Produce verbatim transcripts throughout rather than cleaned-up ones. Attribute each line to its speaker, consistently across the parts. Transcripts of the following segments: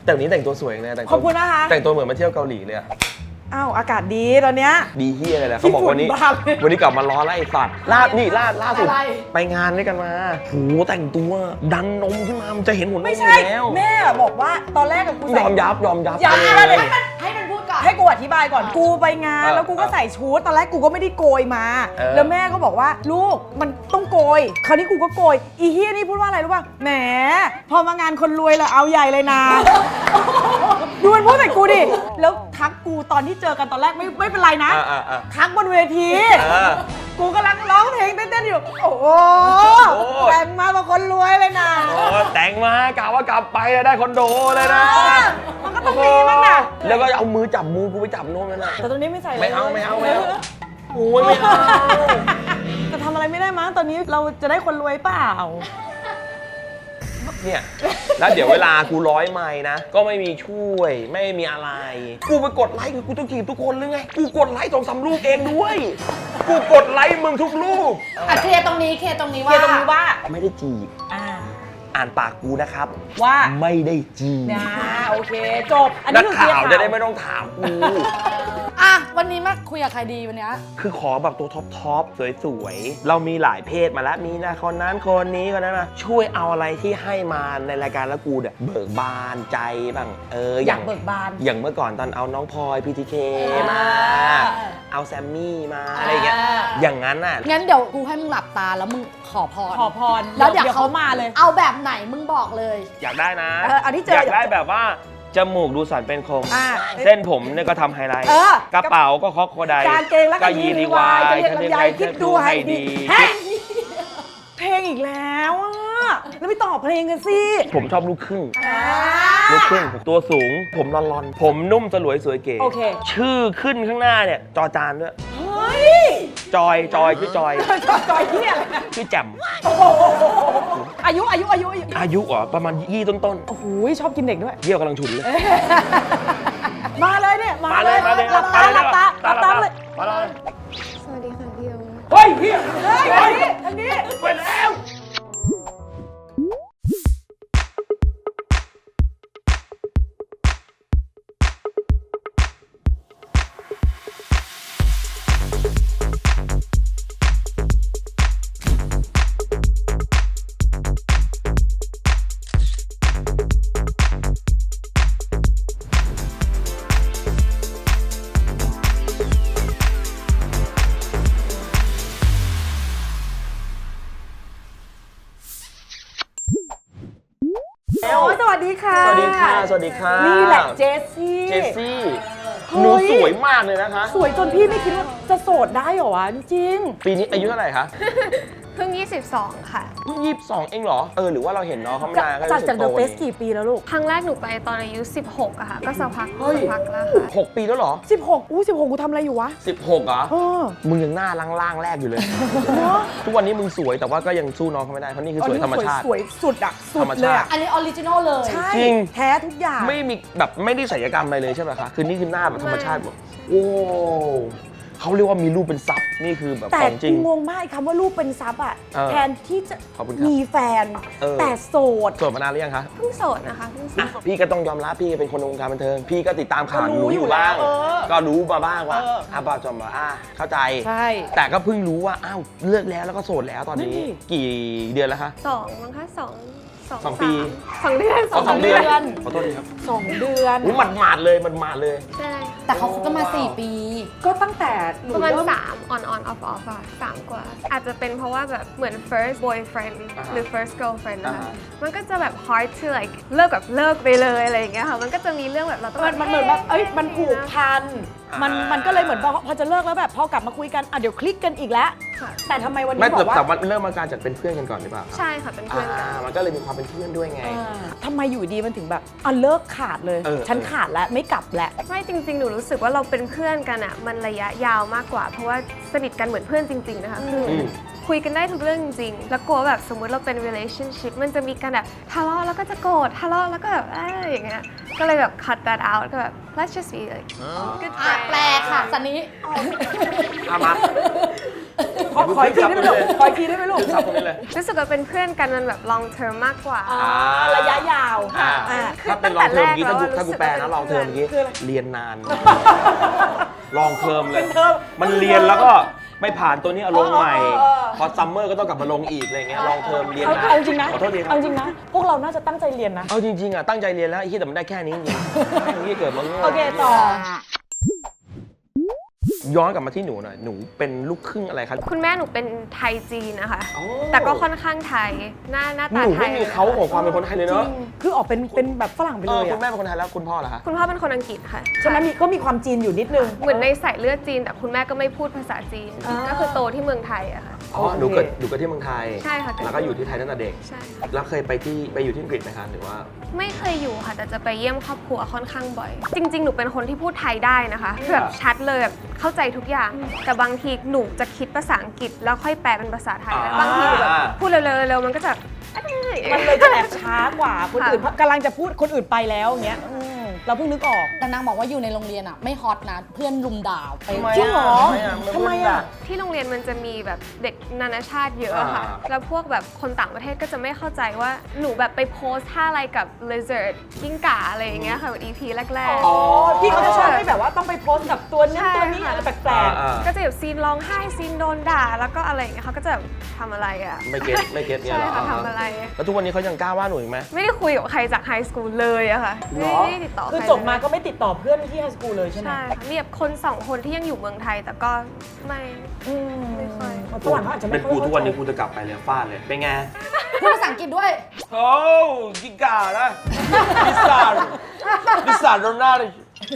Speaker 1: แต่วันนี้แต่งตัวสวยเลยแต่ง
Speaker 2: ขอบคุณนะคะ
Speaker 1: แต่งตัวเหมือนมาเที่ยวเกาหลีเลยอะ
Speaker 2: อ้าวอากาศดีตอนเนี้ย
Speaker 1: ดีเฮียอะไรแหละเขาบอกวันนี้วันนี้กลับมาล้อไล่สัตว์ล่านี่ล่าล่าสุดไปงานด้วยกันมาโหแต่งตัวดันนมขึ้นมามันจะเห็นหัวนม
Speaker 2: ไม่ใช่
Speaker 1: แล้ว
Speaker 2: แม่บอกว่าตอนแรกกับกู
Speaker 1: ย
Speaker 2: ใส่
Speaker 1: อมยับยอมยับ
Speaker 2: ยับ
Speaker 1: ไป
Speaker 2: เลย
Speaker 3: ให้มันพูดก่อน
Speaker 2: ให้กูอธิบายก่อนกูไปงาน
Speaker 1: เออ
Speaker 2: แล้วกูก็ใส่ชุดตอนแรกกูก็ไม่ได้โกยมา
Speaker 1: เออ
Speaker 2: แล้วแม่ก็บอกว่าลูกมันต้องโกยคราวนี้กูก็โกยอีเฮียนี่พูดว่าอะไรรู้ป่ะแหมพอมางานคนรวยเลยเอาใหญ่เลยนะดูมันพูดใส่กูดิแล้วทักกูตอนที่เจอกันตอนแรกไม่ไม่เป็นไรนะ
Speaker 1: อ่ะอ่ะอ่ะ
Speaker 2: ทักบนเวที
Speaker 1: เออ
Speaker 2: กูกำลังร้องเพลงเต้นๆอยู่โอ้โห
Speaker 1: โอ้
Speaker 2: แต่งมาเป็นคนรวยเลยนะ
Speaker 1: โอ้แต่งมากะว่ากลับไปได้คอนโดเลยนะ
Speaker 2: มันก็ต้องมีบ้างนะ
Speaker 1: แล้วก็เอามือจับมือกูไปจับนมนั่นน่ะ
Speaker 2: แต่ตอนนี้ไม่ใส่ลย
Speaker 1: ไม่เอาไม่เอาไม่เอาโอ้ยไม่เอา
Speaker 2: จะทำอะไรไม่ได้มั้งตอนนี้เราจะได้คนรวยเปล่า
Speaker 1: เนี่ยแล้วเดี๋ยวเวลากูร้อยไมล์นะก็ไม่มีช่วยไม่มีอะไร กูไปกดไลค์กูต้องจีบทุกคนหรือไงกูกดไลค์สองสามลูกเองด้วยกูกดไลค์มึงทุกลูก
Speaker 3: อ่ะเคลียร์ตรงนี้เคลียร์ตรงนี้
Speaker 2: เกี
Speaker 3: ว่าย
Speaker 2: ร์ตรงนี้ว่า
Speaker 1: ไม่ได้จีบ
Speaker 2: อ่า
Speaker 1: อ่านปากกูนะครับ
Speaker 2: ว่า
Speaker 1: ไม่ได้จีบ
Speaker 2: นะโอเคจบอัน
Speaker 1: นั
Speaker 2: นี้
Speaker 1: ก
Speaker 2: คือ
Speaker 1: ข่าว
Speaker 2: เคลี
Speaker 1: จะ
Speaker 2: ยร์
Speaker 1: ได้ไม่ต้องถามกู
Speaker 3: อ่ะวันนี้มาคุยกับใครดีวันเนี้ย
Speaker 1: คือขอแบบตัวท็อปท็อปสวยๆเรามีหลายเพศมาแล้วมีนะคนนั้นคนนี้คนนั้นมาช่วยเอาอะไรที่ให้มาในรายการแล้วกูเนี่ยเบิกบานใจบ้างเอออย
Speaker 2: อากเบิกบาน
Speaker 1: อย่างเมื่อก่อนตอนเอาน้องพลอย พี ที เค
Speaker 2: อ่าม
Speaker 1: มา เอาแซมมี่มาอะไรอย่างเงี้ย อย่างนั้นน่ะ
Speaker 3: งั้นเดี๋ยวกูให้มึงหลับตาแล้วมึงขอพร
Speaker 2: ขอพร
Speaker 3: แล้วเดี๋ยว
Speaker 2: เขามาเลย
Speaker 3: เอาแบบไหนมึงบอกเลย
Speaker 1: อยากได้นะ
Speaker 2: เออเอาที่เจออย
Speaker 1: อากได้แบบว่าจมูกดูสันเป็นคม
Speaker 2: อ่า
Speaker 1: เส้นผมเนี่ยก็ทำไฮไลท์
Speaker 2: เออก
Speaker 1: ระเป๋าก็คอกโคได
Speaker 2: กางเกงแล้วก็ยีรีวายจะเรียกลำไยคิดดูให้ดีเฮ้ยเพลงอีกแล้วอ่ะแล้วไม่ตอบเพลงกันสิ
Speaker 1: ผมชอบลูกครึ่ง
Speaker 2: อ่า
Speaker 1: ลูกครึ่งตัวสูง ผมรอนๆ ผมนุ่มสลวยสวยเก๋
Speaker 2: โอเค
Speaker 1: ชื่อขึ้นข้างหน้าเนี่ย จอจานด้วย
Speaker 2: เฮ้ย
Speaker 1: จอย จอย ชื่อจอย
Speaker 2: จอยจอยเฮียอะไรนะ
Speaker 1: ชื่อแจ่ม
Speaker 2: อายุอายุอายุอายุ
Speaker 1: อายุเหรอประมาณยี่ต้น
Speaker 2: โอ้โหชอบกินเด็กด้วย
Speaker 1: ๆ เยี่ยวกำลังฉุนเลย
Speaker 2: มาเลยเนี่ยมา
Speaker 1: มาเลยมาเลย
Speaker 2: หลับตาหลับตาหลับตาเลย
Speaker 1: มาเลย
Speaker 4: สวัสดีค่ะพี่โอ
Speaker 1: เฮ้ยเฮีย
Speaker 2: เฮ้ยอันนี้อันนี้
Speaker 1: ไปแล้ว
Speaker 2: โอ้ยสวัสดีค่ะ
Speaker 1: สวัสดีค่ะ สวัสดีค่ะ
Speaker 2: นี่แหละเจสซี่
Speaker 1: เจสซี่
Speaker 2: เฮ้ย
Speaker 1: หนูสวยมากเลยนะคะ
Speaker 2: สวยจนพี่ไม่คิดว่าจะโสดได้เหรอวะจริง
Speaker 1: ปีนี้อายุเท่าไหร่คะ
Speaker 4: เพิ่งยี่สิบสองค่ะ
Speaker 1: เพิ่งยี่สิบสองเองเหรอ เออ หรือว่าเราเห็นน้องเขาไม่
Speaker 2: ๆ
Speaker 1: นานก็
Speaker 2: จากจากเดอะ
Speaker 1: โต
Speaker 2: เฟ
Speaker 1: นี่
Speaker 2: สกี่ปีแล้วลูก
Speaker 4: ครั้งแรกหนูไปตอนอายุสิบหกอะค่ะ ก็สักพัก
Speaker 1: เฮ้ย
Speaker 4: สักพักแล้วค่ะ
Speaker 1: หกปีแล้วเหรอ
Speaker 2: สิบหกอู้สิบหกกูทำอะไรอยู่วะ
Speaker 1: สิบหกเหรอ
Speaker 2: เออ
Speaker 1: มึงยังหน้าล่างๆแรกอยู่เลย ทุกวันนี้มึงสวยแต่ว่าก็ยังสู้น้องเขาไม่ได้ เพราะนี่คือสวยธรรมชาติ
Speaker 2: สวยสุดอะสุ
Speaker 1: ธร
Speaker 2: ด
Speaker 1: รม
Speaker 2: เล
Speaker 1: ชาติ
Speaker 2: ยอะ
Speaker 3: อันนี้ออริจินอลเลย
Speaker 2: ใช่
Speaker 1: จริง
Speaker 2: แท้ทุกอย่าง
Speaker 1: ไม่มีแบบไม่ได้ศัลยกรรมอะไรเลยใช่ไหมคะ คือนี่คือหน้าแบบธรรมชาติหมดโอ้เขาเรียกว่ามีรูปเป็นซับนี่คือแบบ
Speaker 2: แต่
Speaker 1: ของจริ
Speaker 2: กู
Speaker 1: ง
Speaker 2: งงมากไอ้คำว่ารูปเป็นซับอะ
Speaker 1: เออ
Speaker 2: แทนที่จะ
Speaker 1: ขอบคุณครับ
Speaker 2: มีแฟน
Speaker 1: เออ
Speaker 2: แต่โสด
Speaker 1: โสดมานานหรือยังคะ
Speaker 4: เพิ่งโสดนะคะเพิ่งโส
Speaker 1: อ่ะ
Speaker 4: ด
Speaker 1: พี่ก็ต้องยอมรับพี่เป็นคนในวงการบันเทิง พี่ก็ติดตามข่าว
Speaker 2: ก็
Speaker 1: ห
Speaker 2: รู้
Speaker 1: นูอ
Speaker 2: อยู่
Speaker 1: ยู่บ้าง
Speaker 2: แล้วเออ
Speaker 1: ก็รู้มาบ้างว่า
Speaker 2: เอออ่
Speaker 1: อ่ะบาจอมว่าอ่ะเข้าใจ
Speaker 2: ใช่
Speaker 1: แต่ก็เพิ่งรู้ว่าอ้าวเลิกแล้วแล้วก็โสดแล้วตอน
Speaker 2: นั่น
Speaker 1: นี้
Speaker 2: ดิ
Speaker 1: กี่เดือนแล้วคะ
Speaker 4: สองมั้งคะสองสอง
Speaker 1: สองปี
Speaker 4: สามสองเดือน
Speaker 1: อ๋อสองเดือน
Speaker 2: เดือน
Speaker 1: ขอโทษทีครับ
Speaker 2: สองเดือน
Speaker 1: อุ้ยหมัดหมาดๆเลยมันหมาดๆเลย
Speaker 4: ใช่
Speaker 3: แต่เขาคบกันมาสี่ปี
Speaker 2: ก็ตั้งแต่หนู
Speaker 4: ประมาณ
Speaker 2: เริ่ม
Speaker 4: สาม on on off off อะสามกว่า อาจจะเป็นเพราะว่าแบบเหมือน first boyfriend
Speaker 1: อ่าฮะ
Speaker 4: หรือ first girlfriend นะคะ
Speaker 1: อ่าฮะ
Speaker 4: มันก็จะแบบ hard to like เลิกแบบเลิกไปเลยอะไรอย่างเงี้ยค่ะ มันก็จะมีเรื่องแบบเราต้อง
Speaker 2: มันมันเหมือนแบบเอ้ยมันผูกพัน
Speaker 1: อ่ามั
Speaker 2: มันมันก็เลยเหมือนพอพอจะเลิกแล้วแบบพอกลับมาคุยกันอ่ะเดี๋ยวคลิกกันอีกแล้ว
Speaker 4: ค่ะ
Speaker 2: แต่ทำไมวัน
Speaker 1: ไม่
Speaker 2: นี้บ
Speaker 1: แต่
Speaker 2: อกว่า
Speaker 1: แต่มันเริ่มมาการจากเป็นเพื่อนกันก่อนหรือเปล่า
Speaker 4: ใช่ค่ะ เป็นเพื่อนกัน
Speaker 1: อ่ามันก็เลยมีความเป็นเพื่อนด้วยไง
Speaker 2: อ่าทำไมอยู่ดีมันถึงแบบอ่ะเลิกขาดเลย
Speaker 1: เออ
Speaker 2: ฉันขาดแล้วไม่กลับแล้ว
Speaker 4: ไม่จริงๆ หนูรู้สึกว่าเราเป็นเพื่อนกันอะมันระยะยาวมากกว่า เพราะว่าสนิทกันเหมือนเพื่อนจริง ๆ นะคะคืออ
Speaker 1: ม
Speaker 4: คุยกันได้ทุกเรื่องจริงๆ แล้วกลัวแบบสมมุติเราเป็น relationship มันจะมีการแบบทะเลาะแล้วก็จะโกรธทะเลาะแล้วก็แบบเอ้ยอย่างเงี้ยก็เลยแบบ cut that out ก็แบบ let's just be like good
Speaker 3: อ่ะ
Speaker 4: friends
Speaker 3: แปลค่ะสันนี้
Speaker 1: เอามา
Speaker 2: ขอขออีกทีได้ไหมลูกขออีกทีได้ไหมลูก
Speaker 1: ซับตรงนี้เลย
Speaker 4: รู้สึกว่าเป็นเพื่อนกันมันแบบ long term มากกว่า
Speaker 2: อ่าระยะยาว
Speaker 1: อ่า
Speaker 2: อ่า
Speaker 1: ถ้าเป็นลองเทอมเมื่อกี้ถ้ากู
Speaker 4: ตั้งแต่แรกแล้ว
Speaker 1: ถ้ากูแปลนะลองเทอมเมื่อกี้
Speaker 2: คืออะไร
Speaker 1: เรียนนาน ลองเทอมเลย
Speaker 2: เป็นเทอม
Speaker 1: มันเรียนแล้วก็ไม่ผ่านตัวนี้เอาลงใหม่
Speaker 2: เออเออเออ
Speaker 1: พอซัมเมอร์ก็ต้องกลับมาลงอีกอะไรเงี้ยลองเทอมเรียน
Speaker 2: เอา
Speaker 1: นาน
Speaker 2: เอาจริงนะ
Speaker 1: ขอโทษทีครับ
Speaker 2: เอาจริงนะ พวกเราน่าจะตั้งใจเรียนนะ
Speaker 1: เอาจริงๆอ่ะตั้งใจเรียนแล้วไอ้ที่แต่มันได้แค่นี้จริงๆแม่งที่เกิดมาโง่
Speaker 2: โอเคต่อ
Speaker 1: ย้อนกลับมาที่หนูหน่อยหนูเป็นลูกครึ่งอะไรครับ
Speaker 4: คุณแม่หนูเป็นไทยจีนนะคะ
Speaker 1: อ๋อ
Speaker 4: แต่ก็ค่อนข้างไทย หน้าหน้า
Speaker 1: ห
Speaker 4: ตา
Speaker 1: นู
Speaker 4: ไท
Speaker 1: ไม่
Speaker 4: ย
Speaker 1: มีเขาของความเป็นคนไทยเลยเนาะ
Speaker 2: คือออกเป็นเป็นแบบฝรั่งไป
Speaker 1: เอ
Speaker 2: เล
Speaker 1: อย คุ
Speaker 2: อะ
Speaker 1: ณแม่เป็นคนไทยแล้วคุณพ่อล่ะคะ
Speaker 4: คุณพ่อเป็นคนอังกฤษค่ะ
Speaker 2: ฉะนั้นมีก็มีความจีนอยู่นิดนึง
Speaker 4: เหมือนในสายเลือดจีน แต่คุณแม่ก็ไม่พูดภาษาจีน
Speaker 2: อ่า
Speaker 4: ก็คือโตที่เมืองไทยอะค่ะ
Speaker 1: อ๋อหนูเกิดหนูเกิดที่เมืองไทย
Speaker 4: ใช่ค่ะเกิด
Speaker 1: แล้วก็อยู่ที่ไทยตั้งแต่เด็ก
Speaker 4: ใช่
Speaker 1: แล้วเคยไปที่ไปอยู่ที่อังกฤษไหมคะหรือว่า
Speaker 4: ไม่เคยอยู่ค่ะ แต่จะไปเยี่ยมครอบครัวค่อนข้างบ่อย จริง ๆ หนูเป็นคนที่พูดไทยได้นะคะแบบชัดเลยแบบเข้าใจทุกอย่าง แต่บางทีหนูจะคิดภาษาอังกฤษแล้วค่อยแปลเป็นภาษาไทย
Speaker 1: อ่า
Speaker 4: บางทีหนูแบบพูดเร็วๆๆมันก็จะ
Speaker 2: มันเลยจะแอบช้ากว่าคนอื่นกำลังจะพูดคนอื่นไปแล้วอย่างเงี้ยอืมเราเพิ่งนึกออก
Speaker 3: แต่นางบอกว่าอยู่ในโรงเรียนอ่ะ ไม่ฮอตนะ เพื่อนลุมด่าไป
Speaker 1: ทำไม
Speaker 2: จริงเหรอ
Speaker 1: ทำ
Speaker 2: ทำ
Speaker 1: ไม
Speaker 2: ไม
Speaker 1: อ่ะ
Speaker 2: อ่ะ
Speaker 4: ที่โรงเรียนมันจะมีแบบเด็กนานาชาติเยอะอะค่ะ
Speaker 1: อ่า
Speaker 4: แล้วพวกแบบคนต่างประเทศก็จะไม่เข้าใจว่าหนูแบบไปโพสท่าอะไรกับ lizard กิ้งก่าอะไรอย่างเงี้ยค่ะแบบ อี พี แรก
Speaker 2: อ๋อพี่เขาจะชอบให้แบบว่าต้องไปโพสต์กับตัวนั้นตัวนี้อะไรแปลก
Speaker 1: อ่า
Speaker 4: ๆ ก็จะแบบซีนร้องไห้ซีนโดนด่าแล้วก็อะไรอย่างเงี้ยเขาก็จะแบบทำอะไรอะ
Speaker 1: ไม่เก็ตไม่เก็ตเนี่ย
Speaker 4: ใช่
Speaker 1: เหรอ
Speaker 4: ค่ะทำอะไร
Speaker 1: แล้วทุกวันนี้เขายังกล้าว่าหนูอีกไหม
Speaker 4: ไม่ได้คุยกับใครจากไฮสคูลเลยอะค่ะ
Speaker 1: หร
Speaker 4: ไม่
Speaker 1: อ
Speaker 4: ได้ติดต่อ
Speaker 2: ๆ
Speaker 4: ใคร
Speaker 2: คือ
Speaker 4: เลย
Speaker 2: จบมาก็ไม่ติดต่อเพื่อนที่ไฮสคูลเลยใช่ไหม
Speaker 4: ใช่ค่ะมีแบบคนสองคนที่ยังอยู่เมืองไทยแต่ก็ไม่
Speaker 2: อืม
Speaker 4: ไม่ค่อย
Speaker 2: ฝรั่งเขาอาจจะไม่
Speaker 1: เป็น
Speaker 2: ค่อย
Speaker 1: กูทุกวันนี้
Speaker 2: เข้าใจ
Speaker 1: กูจะกลับไปเลยฟาดเลยเป็นไง
Speaker 3: พูดภาษาอังกฤษด้วย
Speaker 1: โอ้กิกานะพิซซ่าพิซซ่าโรนัลด์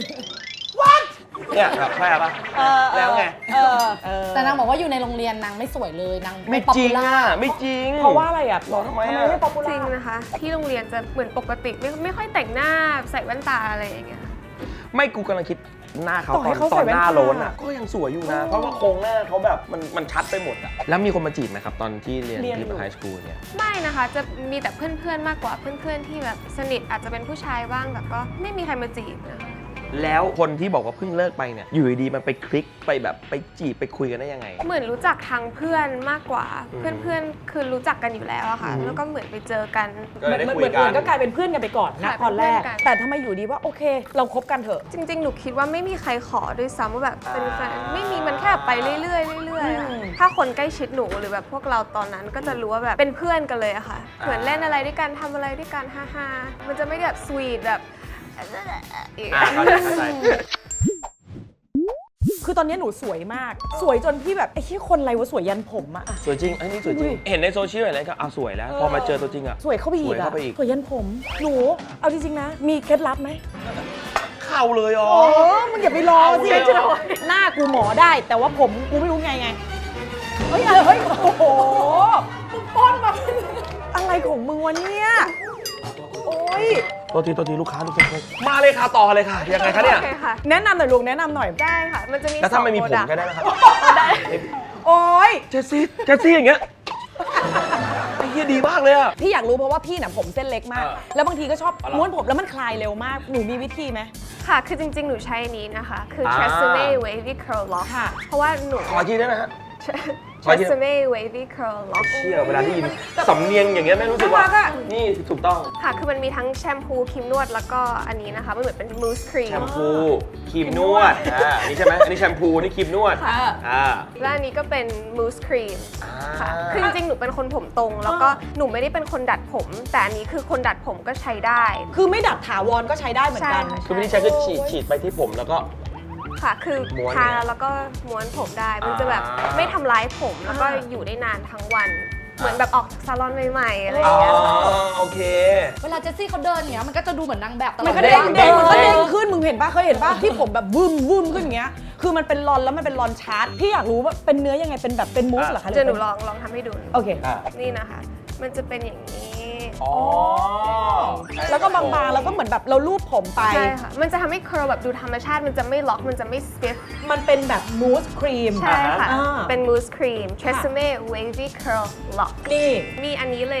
Speaker 1: what เนี่ยแบบแพ้ปะ
Speaker 2: เออ
Speaker 1: แล้วไง
Speaker 2: เออเออ
Speaker 3: แต่นางบอกว่าอยู่ในโรงเรียนนางไม่สวยเลยนาง
Speaker 1: ไม่
Speaker 3: ป๊อป
Speaker 1: จริ
Speaker 3: ปู
Speaker 1: ง
Speaker 3: ล่า
Speaker 1: อ่ะไม่จริง
Speaker 2: เพราะว่าอะไรอ่ะ
Speaker 1: บอกทำไมอะ
Speaker 2: ไม่ป๊อปปู
Speaker 4: จริ
Speaker 2: ล่าง
Speaker 4: นะคะ ที่โรงเรียนจะเหมือนปกติไม่ไม่ค่อยแต่งหน้าใส่แว่นตาอะไรอย่างเงี้ย
Speaker 1: ไม่กูกำลังคิดหน้าเขา
Speaker 2: ต่อ
Speaker 1: ต
Speaker 2: ให้
Speaker 1: อน
Speaker 2: เขา
Speaker 1: ตอ
Speaker 2: ใส่
Speaker 1: น
Speaker 2: แว่น
Speaker 1: หน้า
Speaker 2: ตา
Speaker 1: โลนอ่ะก็ยังสวยอยู่นะ เพราะว่าโครงหน้าเขาแบบมันมันชัดไปหมดอ่ะแล้วมีคนมาจีบไหมครับ ตอนที่เรียน
Speaker 2: เรียน
Speaker 1: ที่
Speaker 2: อยู่
Speaker 1: ไฮสคูลเนี่ย
Speaker 4: ไม่นะคะ จะมีแต่เพื่อนๆ มากกว่าเพื่อนๆ ที่แบบสนิทอาจจะเป็นผู้ชายบ้างแต่ก็ไม่มีใครมาจีบนะคะ
Speaker 1: แล้วคนที่บอกว่าเพิ่งเลิกไปเนี่ยอยู่ดีๆมันไปคลิกไปแบบไปจีบไปคุยกันได้ยังไง
Speaker 4: เหมือนรู้จักทางเพื่อนมากกว่า
Speaker 1: อืม
Speaker 4: เพื่อนๆ คือรู้จักกันอยู่แล้วอะค่ะ
Speaker 1: อืม
Speaker 4: แล้วก็เหมือนไปเจอกัน
Speaker 1: ก็เลยได้
Speaker 2: มัน
Speaker 1: คุ
Speaker 2: เหมื
Speaker 1: ย
Speaker 2: อน
Speaker 1: กั
Speaker 2: เหมือน นก็กลายเป็นเพื่อนกันไปก่อนนะ
Speaker 4: ค่ะ
Speaker 2: ตอนแรก
Speaker 4: เป็นเพื่อนกัน
Speaker 2: แต่ทำไมอยู่ดีว่าโอเค เราคบกันเถอะ
Speaker 4: จริงๆ หนูคิดว่าไม่มีใครขอด้วยซ้ำว่าแบบเป็นแฟนไม่มีมันแค่แบบไปเรื่อยๆเรื่อยๆอะ
Speaker 2: อืม
Speaker 4: ถ้าคนใกล้ชิดหนูหรือแบบพวกเราตอนนั้นก็จะรู้ว่าแบบเป็นเพื่อนกันเลยอะค่ะ เหมือนเล่นอะไรด้วยกันทำอะไรด้วยกันฮ่าๆมันจะไม่ได้แบบสวีทแบบอีก
Speaker 1: อ่าเข้าใจเข้าใจ
Speaker 2: คือตอนนี้หนูสวยมาก สวยจนพี่แบบไอ้ที่คนอะไรวะสวยยันผมอะอะ
Speaker 1: สวยจริงอันนี้สวยจริง เห็นในโซเชียลอะไรก็อ่ะสวยแล้ว พอมาเจอตัวจริงอ่ะ
Speaker 2: สวยเข้าไปอี
Speaker 1: ส
Speaker 2: ก
Speaker 1: วย
Speaker 2: อะ
Speaker 1: เข้าไปอีก
Speaker 2: สวยยันผม หนู เอาจริงๆนะ มีเคล็ดลับไหม
Speaker 1: เข้าเลยอ๋อ
Speaker 2: โอ้มึงอย่าไปรอสิ
Speaker 1: เอาเลยเหรอ
Speaker 2: หน้ากูหมอได้ แต่ว่าผมกูไม่รู้ไงไง เฮ้ยอะไรเฮ้ย โอ้โหมึงป้อนมาเป็นอะไรของมึงวะเนี่ย โอ้ย
Speaker 1: ตัวทีตัวทีลูกค้าทุกคนมาเลยค่ะต่อเลยค่ะยังไงคะเนี่ย
Speaker 4: โอเคค่ะ
Speaker 2: แนะนำหน่อยลุงแนะนำหน่อย
Speaker 4: ได้ค่ะ มันจะมี
Speaker 1: แล้วถ้าไม่มี
Speaker 4: ส
Speaker 1: ผ
Speaker 4: อง
Speaker 1: ม
Speaker 4: product
Speaker 1: ก็ได้นะครับ
Speaker 4: ได้
Speaker 2: โอ้ย
Speaker 1: เจสซี่เจสซี่อย่างเงี้ยไอ้เหี้ยดีมากเลยอ่ะ
Speaker 2: พี่อยากรู้เพราะว่าพี่น่ะผมเส้นเล็กมาก
Speaker 1: เออ
Speaker 2: แล้วบางทีก็ชอบ
Speaker 1: อ๋อเหรอ
Speaker 2: ม้วนผมแล้วมันคลายเร็วมาก หนูมีวิธีไหม
Speaker 4: ค่ะ คือจริงๆ หนูใช้อันนี้นะคะ คือ
Speaker 1: อ่า
Speaker 4: Tresemme Wavy Curl Lock
Speaker 2: ค่ะ
Speaker 4: เพราะว่าหนู
Speaker 1: ขออีกทีได้ไหมฮะ ขออีกที
Speaker 4: Tresemme Wavy Curl Lock
Speaker 1: เชี่ยเวลาได้ยินสำเนียงอย่างเงี้ยไม่รู้สึกว่า
Speaker 2: น่ารักอะ
Speaker 1: นี่ถูกต้อง
Speaker 4: ค่ะ คือมันมีทั้งแชมพูครีมนวดแล้วก็อันนี้นะคะ มันเหมือนเป็นมูสครี
Speaker 1: แช
Speaker 4: ม
Speaker 1: มพูครีมนวดอ่านี่ใช่ไหมอันนี้แชมพูนี่ครีมนวด
Speaker 2: ค่ะ
Speaker 1: อ่า
Speaker 4: และอันนี้ก็เป็นมูสครีม
Speaker 1: อ่า
Speaker 4: ค่ะ คือจริงๆ หนูเป็นคนผมตรง แล้วก็หนูไม่ได้เป็นคนดัดผม แต่อันนี้คือคนดัดผมก็ใช้ได้
Speaker 2: คือไม่ดัดถาวรก็ใช้ได้เหมือนกัน
Speaker 4: ใช่ค่ะ
Speaker 1: คือวิธีใช้คือฉีดฉีดไปที่ผมแล้วก็
Speaker 4: ค่ะ คือ
Speaker 1: ม้วน
Speaker 4: ทา
Speaker 1: เนี่ย
Speaker 4: แล้วก็ม้วนผมได้ มันจะแบบ
Speaker 1: อ่า
Speaker 4: ไม่ทำร้ายผม แล้วก็
Speaker 2: อ่า
Speaker 4: อยู่ได้นานทั้งวัน เหมือนแบบออกจากซาลอนใหม่ๆ อะไรอ
Speaker 1: อ๋อย่าง
Speaker 4: เงี้ย
Speaker 1: โอเค
Speaker 3: เวลาเจสซี่เขาเดินอย่างเงี้ยมันก็จะดูเหมือนนางแบบตลอด
Speaker 2: มันก็
Speaker 3: เว
Speaker 2: เด้ง
Speaker 3: ลา
Speaker 2: เด้งมันก็
Speaker 1: เด้
Speaker 2: เด้
Speaker 1: ง
Speaker 2: งขึ้นมึงเห็นปะเคยเห็นปะที่ผมแบบวึมวึมขึ้นอย่างเงี้ย คือมันเป็นรอนแล้วมันเป็นรอนชาร์จพี่อยากรู้ว่าเป็นเนื้อยังไงเป็นแบบเป็นมูสเหรอคะ
Speaker 4: เดี๋ยวหนูลองลองทำให้ดู
Speaker 2: โอเค
Speaker 1: อ่า
Speaker 4: นี่นะคะ มันจะเป็นอย่างนี้
Speaker 1: อ๋อ
Speaker 2: แล้วก็บางๆแล้วก็เหมือนแบบเราลูบผมไป
Speaker 4: ใช่ค่ะ มันจะทำให้ curl แบบดูธรรมชาติ มันจะไม่ล็อก มันจะไม่ stiff
Speaker 2: มันเป็นแบบมูสครีม
Speaker 4: ใช่ค่ะ
Speaker 2: อ่า
Speaker 4: เป็น mousse cream Tresemme Wavy Curl Lock
Speaker 2: นี่
Speaker 4: มีอันนี้เลยนะคะ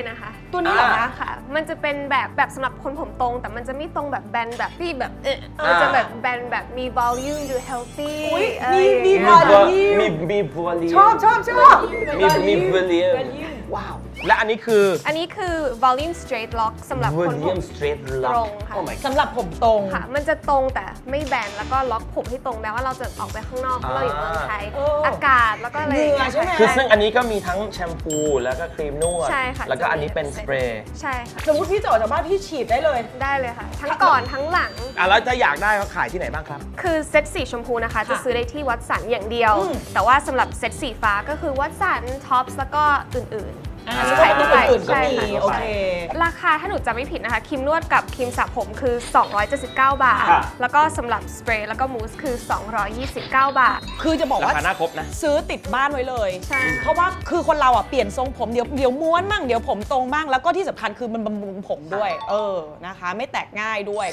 Speaker 2: ตัวนี้เหรอคะ
Speaker 4: ค่ะ มันจะเป็นแบบแบบสำหรับคนผมตรงแต่มันจะไม่ตรงแบบแบนแบบที่แบบเออ
Speaker 1: อ่ามั
Speaker 4: มันจะแบบแบนแบบมี volume ดู healthy
Speaker 2: อุ๊ย
Speaker 4: อะไร
Speaker 2: มี
Speaker 4: อย่าง
Speaker 2: มี
Speaker 4: เงี้ย
Speaker 2: volume
Speaker 1: มีมีบัวลี
Speaker 2: ชอบชอบชอบ
Speaker 1: มีมีบัวลีว้าว และอันนี้คือ
Speaker 4: อันนี้คือ volume straight lock สำหรับคนผม
Speaker 1: William Straight
Speaker 4: ต
Speaker 1: Lock
Speaker 4: รงค่ะ
Speaker 1: โอ้ my
Speaker 2: สำหรับผมตรง
Speaker 4: ค่ะ มันจะตรงแต่ไม่แบนแล้วก็ล็อกผมให้ตรงแม้ว่าเราจะออกไปข้างนอกเพราะเราอยู่เมืองไทย
Speaker 2: เอออ
Speaker 4: อากาศแล้วก็อะไรอย่าง
Speaker 2: เหงื่
Speaker 4: เงี้
Speaker 2: อย ใช่ไหม
Speaker 1: คือซึ่งอันนี้ก็มีทั้งแชมพูแล้วก็ครีมนวด
Speaker 4: ใช่ค่ะ
Speaker 1: แล้วก็อันนี้เป็นสเปรย์
Speaker 4: ใช่ค่ะ
Speaker 2: สมมติพี่จะออกจากบ้านพี่ฉีดได้เลย
Speaker 4: ได้เลยค่ะ ทั้งก่อนทั้งหลัง
Speaker 1: อ่ะแล้วจะอยากได้เขาขายที่ไหนบ้างครับ
Speaker 4: คือเซ็ตสีชมพูนะคะ จะซื้อได้ที่วัดสันอย่างเดียว
Speaker 2: อืม
Speaker 4: แต่ว่าสำหรับเซ็ตสีฟ้าก็คือวัดสันท็อปส์แล้วก็อื่น
Speaker 2: อ่า
Speaker 1: อ่า
Speaker 2: ใช่ตัวอื่นๆก็
Speaker 4: ใช่
Speaker 2: มี
Speaker 4: ค่ะ
Speaker 2: โอเค
Speaker 4: ๆ ราคาถ้าหนูจำไม่ผิดนะคะครีมนวดกับครีมสระผมคือ สองร้อยเจ็ดสิบเก้า บาท
Speaker 1: ค่ะ
Speaker 4: แล้วก็สำหรับสเปรย์แล้วก็มูสคือ สองร้อยยี่สิบเก้า บาท
Speaker 2: คือจะบอก
Speaker 1: รา
Speaker 2: ว่า
Speaker 1: คาหน้าครบนะ
Speaker 2: ซื้อติดบ้านไว้เลย
Speaker 4: ใช่ค่ะ
Speaker 2: เพราะว่าคือคนเราอ่ะเปลี่ยนทรงผมเดี๋ยวเดี๋ยวม้วนมั่งเดี๋ยวผมตรงบ้างแล้วก็ที่สำคัญคือมันบำรุงผมด้วย เออนะคะ ไม่แตกง่ายด้วย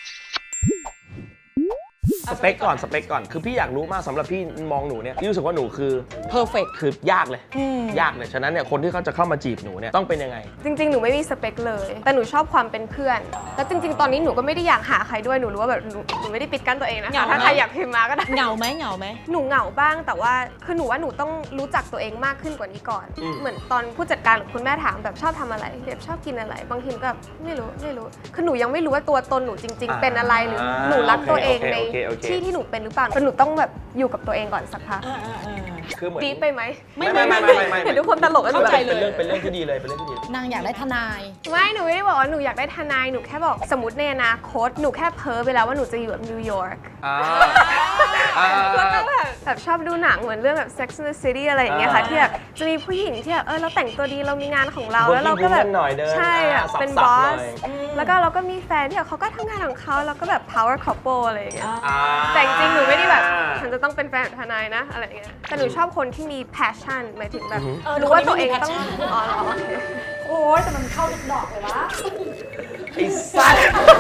Speaker 1: สเปคก่อนสเปคก่อนคือพี่อยากรู้มากสำหรับพี่มองหนูเนี่ยพี่รู้สึกว่าหนูคือ
Speaker 2: perfect
Speaker 1: คือยากเลย
Speaker 2: อืม
Speaker 1: ยากเลยฉะนั้นเนี่ยคนที่เขาจะเข้ามาจีบหนูเนี่ยต้องเป็นยังไง
Speaker 4: จริงๆ หนูไม่มีสเปคเลย แต่หนูชอบความเป็นเพื่อน แล้วจริงๆ ตอนนี้หนูก็ไม่ได้อยากหาใครด้วย หนูรู้ว่าแบบหนูหนูไม่ได้ปิดกั้นตัวเองนะ
Speaker 2: เหงา
Speaker 4: คะ
Speaker 2: ไหม
Speaker 4: ถ้าใครอยากพิมพ์มาก็ได้
Speaker 2: เหงาไหมเหงาไหม
Speaker 4: หนูเหงาบ้าง แต่ว่าคือหนูว่าหนูต้องรู้จักตัวเองมากขึ้นกว่านี้ก่อน
Speaker 1: อืม
Speaker 4: เหมือนตอนผู้จัดการหรือคุณแม่ถามแบบชอบทำอะไรแบบชอบกินอะไร บางทีหนูก็แบบไม่รู้ไม่รู้ คือหนูยังไม่รู้ว่าตัวตนหนูจริง ๆ เป็นอะไร หรือหนูรักตัวเองใน
Speaker 1: โอเคโอเคโอเค
Speaker 4: ที่ที่หนูเป็นหรือเปล่าแต่หนูต้องแบบอยู่กับตัวเองก่อนสักพัก
Speaker 1: คือเหมือน
Speaker 4: ดีไปไหม
Speaker 1: ไม่ไม่ไม่ไม่ไม่ไม่
Speaker 4: เห็นทุกคนตลกกันหนู
Speaker 1: เข้า
Speaker 4: แบบ
Speaker 1: ใจเลยเป็นเรื่องเป็นเรื่องที่ดีเลยเป็นเรื่องที่ดี
Speaker 3: นางอยากได้ทนาย
Speaker 4: ไม่ หนูไม่ได้บอกว่าหนูอยากได้ทนาย หนูแค่บอกสมมติในอนาคต หนูแค่เพ้อไปแล้วว่าหนูจะอยู่แบบนิวยอร์ก
Speaker 1: อ่าอ่า
Speaker 4: แล้วก็แบบแบบชอบดูหนังเหมือนเรื่องแบบ Sex and the City อะไรอย่างเงี้ยค่ะ
Speaker 1: อ่า
Speaker 4: ที่แบบจะมีผู้หญิงที่แบบเออเราแต่งตัวดีเรามีงานของเรา
Speaker 1: Working
Speaker 4: แล้วเราก็แบบ
Speaker 1: woman หน่อยเดิน
Speaker 4: ใช่อะ
Speaker 1: อ่า
Speaker 4: เป็น
Speaker 1: สั
Speaker 4: บบ
Speaker 1: ๆ
Speaker 4: อ
Speaker 1: หน่
Speaker 4: ส
Speaker 1: อย
Speaker 4: แล้วก็เราก็มีแฟนที่แบบเขาก็ทำงานของเขาแล้วก็แบบ power couple อะไรอย่างเงี้ย
Speaker 1: อ่า
Speaker 4: แต่จริงๆหนูไม่ได้แบบฉันจะต้องเป็นแฟนกับทนายนะอะไรอย่างเงี้ยแต่หนูชอบคนที่มี passion หมายถึงแบบ
Speaker 1: อือหือ
Speaker 4: รู้ว่าตัวเองต้อง
Speaker 2: คนนี้ไม่มี passion
Speaker 4: อ๋อเหรอโอเค
Speaker 2: โอ้ยแต่มันเข้าทุกดอกเลยวะ
Speaker 1: ไอ้สัส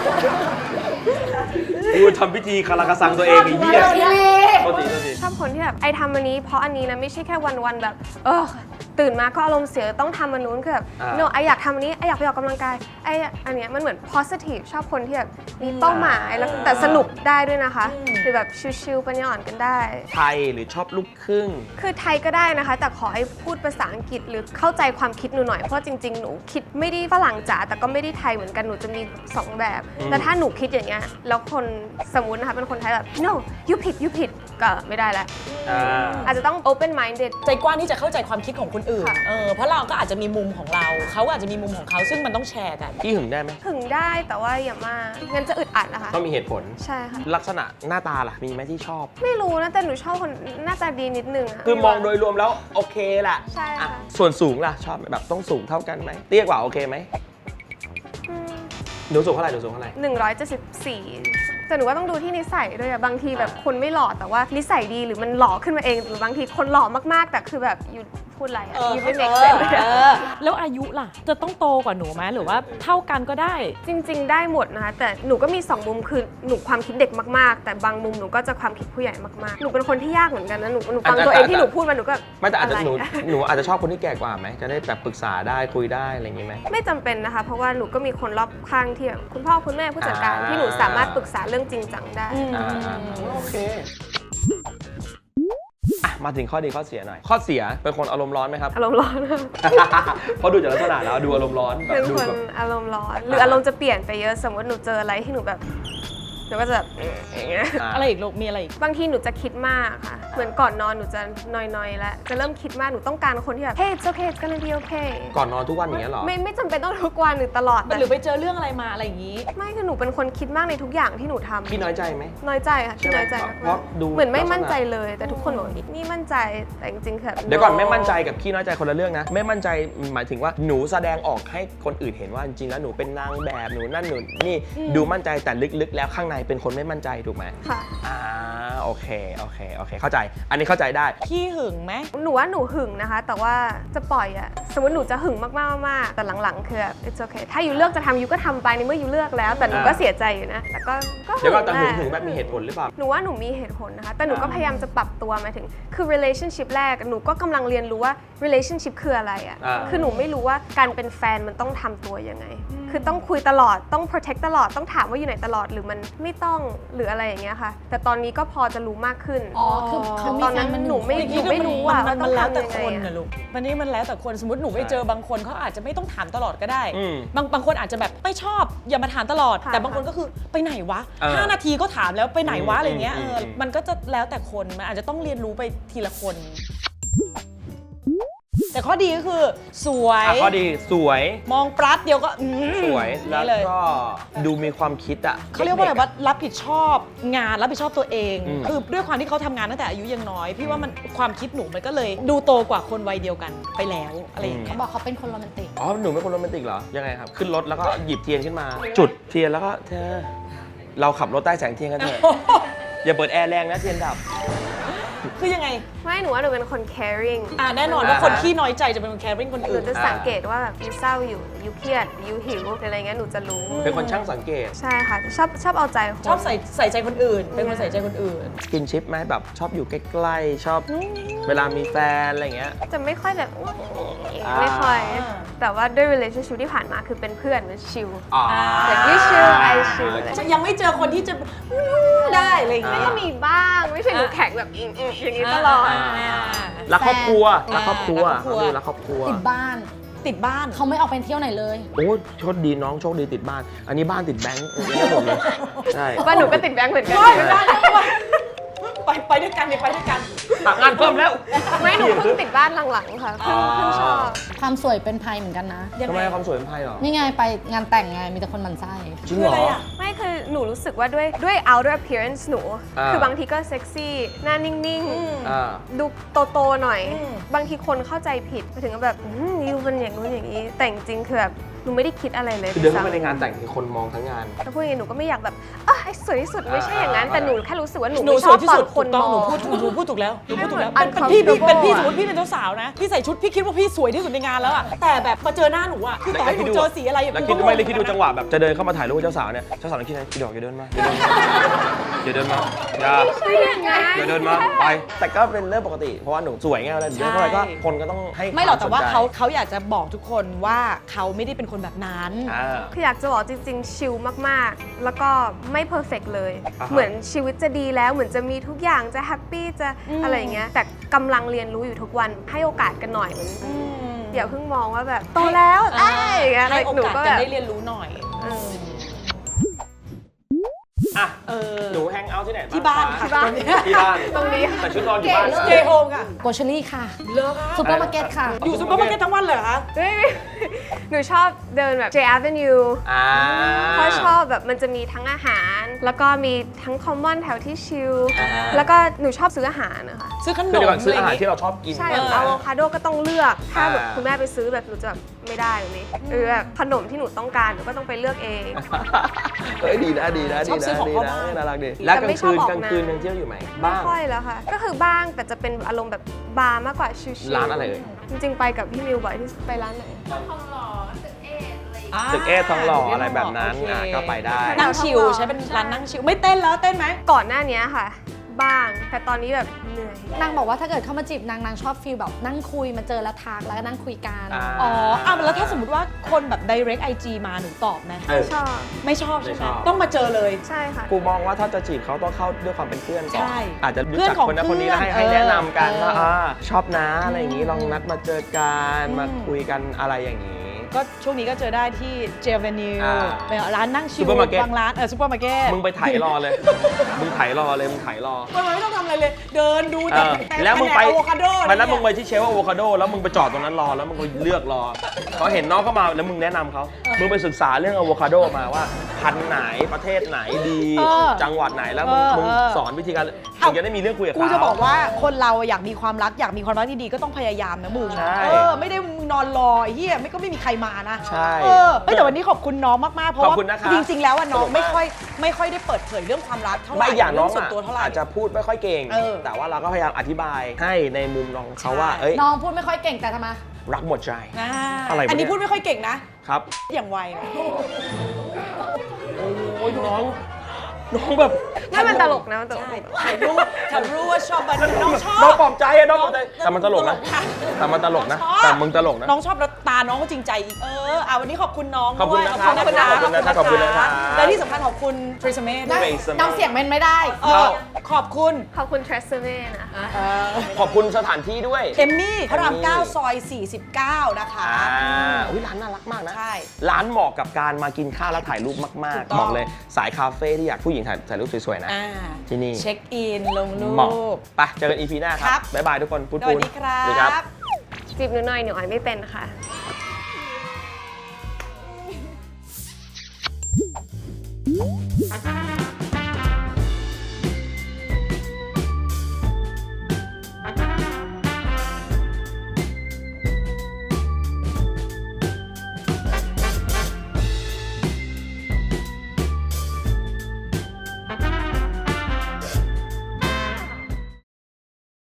Speaker 1: กูทำพิธีคาราคาซังตัวเองไอ้เหี้ยโทษทีโทษที
Speaker 4: ชอบคนที่แบบไอทำอันนี้เพราะอันนี้นะไม่ใช่แค่วันๆแบบเออตื่นมาก็อารมณ์เสียต้องทำอันนู้นคือแบบ
Speaker 1: อ่า
Speaker 4: no ไออยากทำอันนี้ไออยากไปออกกำลังกายไออันเนี้ยมันเหมือน positive ชอบคนที่แบบมีเป้าหมายแล้วแต่สนุกได้ด้วยนะคะหรือแบบชิลๆปัญญาอ่อนกันได้
Speaker 1: ไทยหรือชอบลูกครึ่ง
Speaker 4: คือไทยก็ได้นะคะ แต่ขอให้พูดภาษาอังกฤษหรือเข้าใจความคิดหนูหน่อยเพราะจริงๆหนูคิดไม่ได้ฝรั่งจ๋าแต่ก็ไม่ได้ไทยเหมือนกันหนูจะมีสองแบบ
Speaker 1: อืม
Speaker 4: แต่ถ้าหนูคิดอย่างเงี้ยแล้วคนสมมุตินะคะเป็นคนไทยแบบ no you ผิด you ผิดก็ไม่ได้แล้ว
Speaker 1: อ่า
Speaker 4: อาจจะต้อง open minded
Speaker 2: ใจกว้างที่จะเข้าใจความคิดของคนอื่น
Speaker 4: ค่ะ
Speaker 2: เออ เพราะเราก็อาจจะมีมุมของเรา เขาก็อาจจะมีมุมของเขาซึ่งมันต้องแชร์กัน
Speaker 1: พี่หึงได้ไหม
Speaker 4: ถึงได้แต่ว่าอย่ามากงั้นจะอึดอัดนะคะ
Speaker 1: ต้องมีเหตุผล
Speaker 4: ใช่ค่ะ
Speaker 1: ลักษณะหน้าตาล่ะ มีไหมที่ชอบ
Speaker 4: ไม่รู้นะแต่หนูชอบคนหน้าตาดีนิดนึงะ
Speaker 1: คือมองโดยรวมแล้วโอเคแหละ
Speaker 4: ใช่ค่ะ
Speaker 1: อ่ะส่วนสูงล่ะ ชอบไหมแบบต้องสูงเท่ากันไหมเตี้ยกว่าโอเคไหม
Speaker 4: อืม
Speaker 1: หนูสูงเท่าไหร่หนูสูงเท่าไหร่
Speaker 4: หนึ่งร้อยเจ็ดสิบสี่แต่หนูว่าต้องดูที่นิสัยด้วยอะบางทีแบบคนไม่หล่อแต่ว่านิสัยดีหรือมันหล่อขึ้นมาเองหรือบางทีคนหล่อมากๆ แต่คือแบบอยู่พูดอะไรอะ
Speaker 2: เออ
Speaker 4: อยู่ไม่
Speaker 2: เอ
Speaker 4: เมก
Speaker 2: อ
Speaker 4: เซนเลย
Speaker 2: เออ
Speaker 5: แล้วอายุล่ะ จะต้องโตกว่าหนูไหมหรือว่าเท่ากันก็ได้
Speaker 4: จริง ๆ ได้หมดนะคะแต่หนูก็มีสองมุมคือหนูความคิดเด็กมากๆ แต่บางมุมหนูก็จะความคิดผู้ใหญ่มากๆหนูเป็นคนที่ยากเหมือนกันนะหนูหนูฟังตัวเองที่หนูพูดมาหนูก็
Speaker 1: ไม่แต่อาจจะ
Speaker 4: ไร
Speaker 1: หนูหนูอาจจะชอบคนที่แก่กว่าไหมจะได้แบบปรึกษาได้คุยได้อะไรอย่างงี้ไหม
Speaker 4: ไม่จำเป็นนะคะ เพราะว่าหนูก็มีคนรอบข้างที่แบบคุณพ่อคุณแม่ผู้จัดการ
Speaker 1: อ่า
Speaker 4: ที่หนูสามารถปรึกษาเรื่องจริงจังได้
Speaker 1: อ่าอ่าโอเคอ่ะมาถึงข้อดีข้อเสียหน่อย ข้อเสียเป็นคนอารมณ์ร้อนไหมครับ
Speaker 4: อารมณ์ร้อน
Speaker 1: เพราะดูจากลักษณะแล้วดูอารมณ์ร้อนแบ
Speaker 4: เป็
Speaker 1: บ
Speaker 4: น
Speaker 1: ดู
Speaker 4: คน
Speaker 1: แบบ
Speaker 4: อารมณ์ร้อน หรืออารมณ์จะเปลี่ยนไปเยอะ สมมติหนูเจออะไรที่หนูแบบหนูก็จะแบบเอ๊ะอย่างเงี้ย
Speaker 1: อ่า
Speaker 5: อะไรอีกลูก มีอะไรอีก
Speaker 4: บางทีหนูจะคิดมากค่ะ เหมือนก่อนนอนหนูจะนอยๆแล้ว จะเริ่มคิดมาก หนูต้องการคนที่แบบ hey it's okay it's gonna be okay
Speaker 1: ก่อนนอนทุกวันอย่างเงี้ยเหรอ
Speaker 4: ไม่ไม่จำเป็นต้องทุกวันหรือตลอดแต่
Speaker 2: หรือไปเจอเรื่องอะไรมาอะไรอย่างนี้
Speaker 4: ไม่คือหนูเป็นคนคิดมากในทุกอย่างที่หนูทำ
Speaker 1: พี่น้อยใจไหม
Speaker 4: น้อยใจค่ะที่น้อยใจ
Speaker 1: ใช่ไหม
Speaker 4: มาก
Speaker 1: เพราะดู
Speaker 4: ๆเหมือนไม่มั่นใจเลย แต่ทุกคนบอกนี่มั่นใจ แต่จริงๆคือแบบ
Speaker 1: เดี๋ยวก่อน
Speaker 4: no
Speaker 1: ไม่มั่นใจกับขี้น้อยใจคนละเรื่องนะ ไม่มั่นใจหมายถึงว่าหนูแสดงออกให้คนอื่นเห็นว่าจริงๆแล้วหนูเป็นนางแบบหนูนั่นหนูนี่ดูมั่นใจแต่ลึกๆ แล้วข้างในเป็นคนไม่มั่นใจถูกไหม
Speaker 4: ค่ะ
Speaker 1: อ่าโอโอเคโอเคโอเคเข้าใจอันนี้เข้าใจได้
Speaker 2: พี่หึงไหม
Speaker 4: หนูว่าหนูหึงนะคะ แต่ว่าจะปล่อยอะสมมติหนูจะหึงมากๆมากๆแต่หลังๆคือแบบ it's okay ถ้าอยู่เลือกจะทำยูก็ทำไปในเมื่ออยู่เลือกแล้ว แต่หนูก็เสียใจอยู่นะแต่ก็ก็
Speaker 1: เดี๋ยวก็แต่หึง
Speaker 4: แหละ
Speaker 1: หึงแบบมีเหตุผลหรือเปล่า
Speaker 4: หนูว่าหนูมีเหตุผลนะคะ แต่หนูก็พยายามจะปรับตัวหมายถึง คือ relationship แรก หนูก็กำลังเรียนรู้ว่า relationship คืออะไรอะ
Speaker 1: อ่า
Speaker 4: คือหนูไม่รู้ว่าการเป็นแฟนมันต้องทำตัวยังไง คือต้องคุยตลอด ต้อง protect ตลอด ต้องถามว่าอยู่ไหนตลอด หรือมันไม่ต้อง หรืออะไรอย่างเงี้ยค่ะ แต่ตอนนี้ก็พอจะรู้มากขึ้น
Speaker 3: อ๋อ คือเขามี
Speaker 4: ตอน
Speaker 3: แฟ
Speaker 4: นั้น
Speaker 3: นมัน
Speaker 4: หนูไม่
Speaker 3: ค
Speaker 4: หนูไม่รู้อะ
Speaker 2: มั
Speaker 4: ว่าน ต้
Speaker 2: มั
Speaker 4: อน ง
Speaker 2: แล้ว
Speaker 4: ทำ
Speaker 2: แต่
Speaker 4: ยัง
Speaker 2: ค
Speaker 4: ไง
Speaker 2: น
Speaker 4: อะ
Speaker 2: นะลูกวันนี้มันแล้วแต่คนสมมติหนูไปเจอบางคนเขาอาจจะไม่ต้องถามตลอดก็ได้
Speaker 1: อืม
Speaker 2: บางบางคนอาจจะแบบไม่ชอบอย่ามาถามตลอด
Speaker 4: ค่ะ
Speaker 2: แต่บางคนก็คือไปไหนวะ
Speaker 1: เออ
Speaker 2: ห้านาทีก็ถามแล้วไปไหนวะอะไรเงี้ย
Speaker 1: อื
Speaker 2: เอ
Speaker 1: ม
Speaker 2: อ
Speaker 1: อืม
Speaker 2: มันก็จะแล้วแต่คนมันอาจจะต้องเรียนรู้ไปทีละคน แต่ข้อดีก็คือสวย
Speaker 1: อ่ะข้อดีสวย
Speaker 2: มองปลั๊ดเดียวก็อืม
Speaker 1: สวยแล้ว
Speaker 2: นี่เลย
Speaker 1: ก็ดูมีความคิดอ่ะ
Speaker 2: เขาเรียกว่าอะไรว่ารับผิดชอบงานรับผิดชอบตัวเอง
Speaker 1: อืม
Speaker 2: คือด้วยความที่เขาทำงานตั้งแต่อายุยังน้อย พี่ว่ามันความคิดหนูมันก็เลยดูโตกว่าคนวัยเดียวกันไปแล้วอะไรอย่างเงี้
Speaker 3: เขา
Speaker 2: ย
Speaker 3: บอกเขาเป็นคนโรแมนติก
Speaker 1: อ๋อหนูเป็นคนโรแมนติกเหรอยังไงครับขึ้นรถแล้วก็หยิบเทียนขึ้นมา จุดเทียนแล้วก็เธอเราขับรถใต้แสงเทียนกันเถอะอย่าเปิดแอร์แรงนะเทียนดับ
Speaker 2: คือยังไง
Speaker 4: ไม่หนูว่าหนูเป็นคน caring
Speaker 2: อ่าแน่นอนว่าคน
Speaker 1: อ่าฮะ
Speaker 2: ขี้น้อยใจจะเป็นคนแคร์ริ่งคน
Speaker 4: หนู
Speaker 2: อื่น
Speaker 4: จะสังเกตว่าแบบยูเศร้าอยู่ยูเครียดยูหิวหรืออะไรเงี้ยหนูจะรู้
Speaker 1: เป็นคนช่างสังเกต
Speaker 4: ใช่ค่ะ ชอบชอบเอาใจคน
Speaker 2: ชอบใส่ใส่ใจคนอื่น เป็นคนใส่ใจคนอื่น
Speaker 1: สกินชิปไหมแบบชอบอยู่ใกล้ๆชอบเวลามีแฟนอะไรเงี้ย
Speaker 4: จะไม่ค่อยแบบ
Speaker 1: อ่า
Speaker 4: ไม่ค่อย
Speaker 2: อ่า
Speaker 4: แต่ว่าด้วย relationship ที่ผ่านมาคือเป็นเพื่อนเป็นชิล
Speaker 1: อ๋อ
Speaker 4: แบบ you chill I chill
Speaker 2: จะยังไม่เจอคนที่จะได้อะไรอย่างเงี้ย
Speaker 4: ก็มีบ้างไม่ใช่หนูแข็งแบบอืมๆอย่างนี้ตลอด
Speaker 1: รักครอบครัว
Speaker 3: แฟน
Speaker 1: รักครอบครัว
Speaker 2: รักครอบครัว
Speaker 1: เขาดูรักครอบครัว
Speaker 3: ติดบ้าน
Speaker 2: ติดบ้าน
Speaker 3: เขาไม่ออกไปเที่ยวไหนเลย
Speaker 1: โอ้โชคดีน้องโชคดีติดบ้าน อันนี้บ้านติดแบงค์ไม่ได้หมดเลยใช่
Speaker 4: บ้านหนูก็ติดแบงค์เหมือนกัน
Speaker 2: ได้ได้ได้ไปไปด้วยกันเนี่ยไปด้วยกัน
Speaker 1: ตักงานเพิ่มแล้ว
Speaker 4: ไม่หนูเพิ่งติดบ้านหลังๆค่ะเพิ่งเพิ่งชอบ
Speaker 3: ความสวยเป็นภัยเหมือนกันนะ
Speaker 2: ยัง
Speaker 1: ทำไม
Speaker 2: ไง
Speaker 1: ความสวยเป็นไพ่หรอ
Speaker 3: นี่ไงไปงานแต่งไงมีแต่คนหมันไส้
Speaker 1: จริง
Speaker 2: คือ
Speaker 1: เหร
Speaker 2: อะไร
Speaker 1: อ
Speaker 2: อ่ะ
Speaker 4: ไม่คือหนูรู้สึกว่าด้วยด้วย outer appearance หนู
Speaker 1: อ่า
Speaker 4: คือบางทีก็เซ็กซี่หน้านิ่ง
Speaker 1: อ่า
Speaker 4: ๆ ดูโตๆหน่อย
Speaker 2: อืม
Speaker 4: บางทีคนเข้าใจผิดไปถึงกับแบบอืมยูเป็นอย่างนู้นอย่างนี้ แต่จริงๆคือแบบหนูไม่ได้คิดอะไรเลย
Speaker 1: คือเดินเข้าไป
Speaker 4: ซ้ำ
Speaker 1: ในงานแต่งคือคนมองทั้งงาน
Speaker 4: ถ้าพูดอย่างนี้หนูก็ไม่อยากแบบอ่ะไอ้สวยที่สุดไม่ใช่อย่างนั้น
Speaker 1: อ่า
Speaker 4: แต่หนูแค่รู้สึกว่าหนู
Speaker 2: หนู
Speaker 4: ไม่
Speaker 2: ส
Speaker 4: ช
Speaker 2: ว
Speaker 4: อย บ
Speaker 2: ที่
Speaker 4: ตอ
Speaker 2: สุ
Speaker 4: น
Speaker 2: ด
Speaker 4: คน
Speaker 2: ถูกต้อง
Speaker 4: ม
Speaker 2: หนู
Speaker 4: อง
Speaker 2: พูดหนูพูดถูกแล้วหนูพูดถูกแล้ว
Speaker 4: ให้
Speaker 2: เป็น
Speaker 4: มัน
Speaker 2: พี่พี่
Speaker 4: uncomfortable
Speaker 2: เป็นพี่
Speaker 4: อะ
Speaker 2: สมมติพี่เป็นเจ้าสาวนะ พี่ใส่ชุดพี่คิดว่าพี่สวยที่สุดในงานแล้วอะแต่แบบมาเจอหน้าหนูอะคือต่อให้หนูเจอสีอะไร
Speaker 1: แล้ว
Speaker 2: กู
Speaker 1: คิด
Speaker 2: ก็
Speaker 1: ไม่เลยคิดดูจังหวะแบบจะเดินเข้ามาถ่ายรูปกับเจ้าสาวเนี่ย เจ้าสาวคิดไงคิดดอกอย่าเดินมาอย่าเดินมาอย่าเดินมาอย่าเดินมาไป แต่ก็เป็นเรื่องปกติ เพราะว่าหนูสวยไงเวลาเดินเข้าไปก็คนก็ต้องให้
Speaker 2: ไม่หรอกแต่ว่า
Speaker 1: คมสนใจ
Speaker 2: เขาเขาอยากจะบอกทุกคนว่าเขาไม่ได้เป็นคนแบบนั้น
Speaker 1: อ่า
Speaker 4: คืออยากจะบอกจริงๆ ชิลมากๆ แล้วก็ไม่เพอร์เฟกเลย
Speaker 1: อ่าฮะ
Speaker 4: เหมือนชีวิตจะดีแล้วเหมือนจะมีทุกอย่างจะแฮปปี้จะ
Speaker 2: อืม
Speaker 4: อะไรอย่างเงี้ยแต่กำลังเรียนรู้อยู่ทุกวันให้โอกาสกันหน่อยเหมือนอย่าเพิ่งมองว่าแบบโตแล้วเอ้ยอย่างเงี้ย
Speaker 2: ให้โอ
Speaker 4: หนู
Speaker 2: กาส
Speaker 4: ก็
Speaker 2: กั
Speaker 4: แบ
Speaker 2: น
Speaker 4: บ
Speaker 2: ได้เรียนรู้หน่อย
Speaker 4: เออ
Speaker 1: อ่ะ
Speaker 2: เออ
Speaker 1: หนูแฮงเอาท์ที่ไหน
Speaker 2: ที่บ้านค่ะ
Speaker 1: ที่บ้านที่บ้าน
Speaker 4: ตรงนี้
Speaker 1: แต่ชุดนอนอยู่บ้าน
Speaker 2: เจโฮมค่ะ
Speaker 3: โกเชอรี่ค่ะ
Speaker 2: เลิกค่ะ
Speaker 3: ซูเปอร์มาร์เก็ตค่ะ
Speaker 2: อยู่ซุปเปอร์มาร์เก็ตทั้งวันเลยเหรอคะ
Speaker 4: เฮ้ยหนูชอบเดินแบบ J Avenue
Speaker 1: อ่า
Speaker 4: เพราะชอบแบบมันจะมีทั้งอาหาร แล้วก็มีทั้งคอมมอนแถวที่ชิล
Speaker 1: อ่า
Speaker 4: แล้วก็หนูชอบซื้ออาหารนะคะ
Speaker 2: ซื้อขน
Speaker 1: คือ
Speaker 2: ม
Speaker 1: เดี๋ยวก่อนซื้ออาหาร
Speaker 2: ะไย่งงี้
Speaker 1: ที่เราชอบกิน
Speaker 4: ใช่
Speaker 2: เอ
Speaker 4: แบบ
Speaker 2: อ
Speaker 4: อะโวคาโดก็ต้องเลือก ถ้าแบบ
Speaker 1: อ่า
Speaker 4: คุณแม่ไปซื้อแบบหนูจะแบบไม่ได้แบบนี้หรือแบบขนมที่หนูต้องการหนูก็ต้องไปเลือกเอง
Speaker 1: เฮ้ยดีนะดีนะ
Speaker 2: ช
Speaker 1: ดี
Speaker 2: อบซื้อ
Speaker 1: นะ
Speaker 2: ของ
Speaker 1: ดี
Speaker 2: เข้า
Speaker 1: นะ
Speaker 2: บ้าน
Speaker 1: น่ารักดีแล้วกลาง
Speaker 4: ไม่ช
Speaker 1: คื
Speaker 4: อบ
Speaker 1: น
Speaker 4: ออก
Speaker 1: กลาง
Speaker 4: นะ
Speaker 1: คืนยังเที่ยวอยู่ไหม
Speaker 4: ไม่
Speaker 1: บ้าง
Speaker 4: ค่อยแล้วค่ะ ก็คือบ้างแต่จะเป็นอารมณ์แบบบาร์มากกว่าชิลๆ
Speaker 1: ร้านอะไรเอ่ย
Speaker 4: จริงๆไปกับพี่มิวบ่อยที่ไปร้านไหน
Speaker 1: ตึกเอทองหล่ออะไรแบบนั้น
Speaker 2: โอเค
Speaker 1: อ่ะก็ไปได้
Speaker 2: นั่งชิลใช้เป็นร้านนั่งชิลไม่เต้นแล้วเต้นไหม
Speaker 4: ก่อนหน้านี้ค่ะ บ้าง แต่ตอนนี้แบบเหนื่อย
Speaker 3: นางบอกว่าถ้าเกิดเข้ามาจีบนางนางชอบฟีลแบบนั่งคุยมาเจอแล้วทักแล้วก็นั่งคุยกัน
Speaker 1: อ่า
Speaker 2: อ๋ออ่ะแล้วถ้าสมมติว่าคนแบบ direct ไอ จี มาหนูตอบไหม
Speaker 1: เออ
Speaker 4: ชอบ
Speaker 2: ไม่ชอบใช่ไหม
Speaker 1: ไม่ชอบ
Speaker 2: ต้องมาเจอเลย
Speaker 4: ใช่ค่ะ
Speaker 1: กูมองว่าถ้าจะจีบเขาต้องเข้าด้วยความเป็นเพื่อนก่อน
Speaker 2: ใช่
Speaker 1: อาจจะรู้
Speaker 2: เพื่อน
Speaker 1: จัก
Speaker 2: ของ
Speaker 1: คนนั้นคนนี้แล้วให้
Speaker 2: เพื่อน
Speaker 1: ให้แนะนำกัน
Speaker 2: เออ
Speaker 1: ว่าอ่าชอบนะอะไรอย่างนี้ลองนัดมาเจอกัน
Speaker 2: อืม
Speaker 1: มาคุยกันอะไรอย่างนี้
Speaker 2: ก็ช่วงนี้ก็เจอได้ที่เจเวนิว
Speaker 1: อ่า
Speaker 2: เป็นร้านนั่งชิล
Speaker 1: Supermarket
Speaker 2: บางร้านเออซูเปอร์มาร์เก็ต
Speaker 1: มึงไปไถรอเลย มึงไถรอเลยมึงไถรอ
Speaker 2: มันไม่ต้องทำอะไรเลย เดินดู
Speaker 1: เอ
Speaker 2: แต่
Speaker 1: อ
Speaker 2: แต่
Speaker 1: แล้วมึงไป
Speaker 2: อะโวคาโด
Speaker 1: วันนั้นมึงไป
Speaker 2: เนี่ย
Speaker 1: ที่เชลฟ์อะโวคาโดแล้วมึงไปจอดตรงนั้นรอแล้วมึงก็เลือกรอเขาเห็นน้องเข้ามาแล้วมึงแนะนำเขามึงไปศึกษาเรื่องอะโวคาโดมาว่าพันธุ์ไหนประเทศไหนดี
Speaker 2: เออ
Speaker 1: จังหวัดไหนแล้วมึง
Speaker 2: เออ
Speaker 1: มึง
Speaker 2: เออ
Speaker 1: สอนวิธีการ
Speaker 2: เอ้า
Speaker 1: มึงจะได้มีเรื่องคุยกับ
Speaker 2: กู
Speaker 1: เขา
Speaker 2: จะบอกว่าคนเราอยากมีความรักอยากมีความรักที่ดีก็ต้องพยายามนะมึง
Speaker 1: ใช่
Speaker 2: เออไม่ได้มึงนอนอนรอไอ้เฮียไม่ก็ไม่มีใครมานะ
Speaker 1: ใช่
Speaker 2: เออเฮ้ยแต่วันนี้ขอบคุณน้องมากๆเพราะ
Speaker 1: ขอบ
Speaker 2: ว่า
Speaker 1: คุณนะครับ
Speaker 2: จริงๆแล้วอะน้อง
Speaker 1: สนุกมาก
Speaker 2: ไม่ค่อยไม่ค่อยได้เปิดเผยเรื่องความรักเท่าไหร่
Speaker 1: ไม่อย่างน้อง
Speaker 2: เรื่ส่วน
Speaker 1: อะ
Speaker 2: ตัวเท่าไหร่
Speaker 1: อาจจะพูดไม่ค่อยเก่ง
Speaker 2: เออ
Speaker 1: แต่ว่าเราก็พยายามอธิบายให้ในมุมน้องเขาว่า
Speaker 2: ใช่
Speaker 1: เอ้ย
Speaker 3: น้องพูดไม่ค่อยเก่งแต่ทำไม
Speaker 1: รักหมดใจ
Speaker 2: อ่า
Speaker 1: อะไรวะ
Speaker 2: อันนี้
Speaker 1: เนี่ย
Speaker 2: พูดไม่ค่อยเก่งนะ
Speaker 1: ครับ
Speaker 2: อย่างไวนะ
Speaker 1: โอ้ยน้อง น้องแบบ
Speaker 4: ถ้ามันตลกนะมันตลก
Speaker 2: ใช่ฉันรู้ฉันรู้ว่าชอบมันน้องชอบ
Speaker 1: น้องปลอบใจอะน้องปลอบใจ แต่มันตลกนะ
Speaker 2: ตลกค่ะ
Speaker 1: แต่มันตลกนะ
Speaker 2: น้องชอบ
Speaker 1: แต่มึงตลกนะ
Speaker 2: น้องชอบแล้วตาน้องก็จริงใจอีกเอออ่ะวันนี้ขอบคุณน้อง
Speaker 1: ขอบคุณ
Speaker 2: ด้วย
Speaker 1: นะครับ
Speaker 2: ขอบคุณนะ
Speaker 1: ขอบคุณนะครับขอบคุณนะครับ
Speaker 2: และที่สำคัญขอบคุณทริสเมธ
Speaker 3: นะ
Speaker 1: Trace
Speaker 3: น้ำเสียงมันไม่ได้
Speaker 2: เออขอบคุณ
Speaker 4: ขอบคุณ t r e s s e m e นะ
Speaker 1: ขอบคุณสถานที่ด้วย
Speaker 2: เอมมี่พระราม
Speaker 1: เอมมี่
Speaker 2: เก้าซอยสี่สิบเก้านะคะ
Speaker 1: อ่าอุ้ยร้านน่ารักมากนะ
Speaker 2: ใช่
Speaker 1: ร้านเหมาะกับการมากินข้าวแล้วถ่ายรูปมาก
Speaker 2: ถูกต้อง
Speaker 1: ๆ บอกเลยสายคาเฟ่ที่อยากผู้หญิงถ่ายถ่ายรูปสวยๆนะ
Speaker 2: อ่า
Speaker 1: ที่นี่
Speaker 2: เช็คอินลงรู
Speaker 1: เหมาะ
Speaker 2: ป
Speaker 1: ไปเจอกัน อี พี หน้าค
Speaker 2: ครั
Speaker 1: รับ บ บ๊ายบายทุกคนปูน
Speaker 2: ส
Speaker 1: ปู
Speaker 2: วัน สดีครั
Speaker 1: สวัสดีครับ
Speaker 2: บ
Speaker 4: จีบหนูหน่อยหนูอ่อยไม่เป็นค่ะ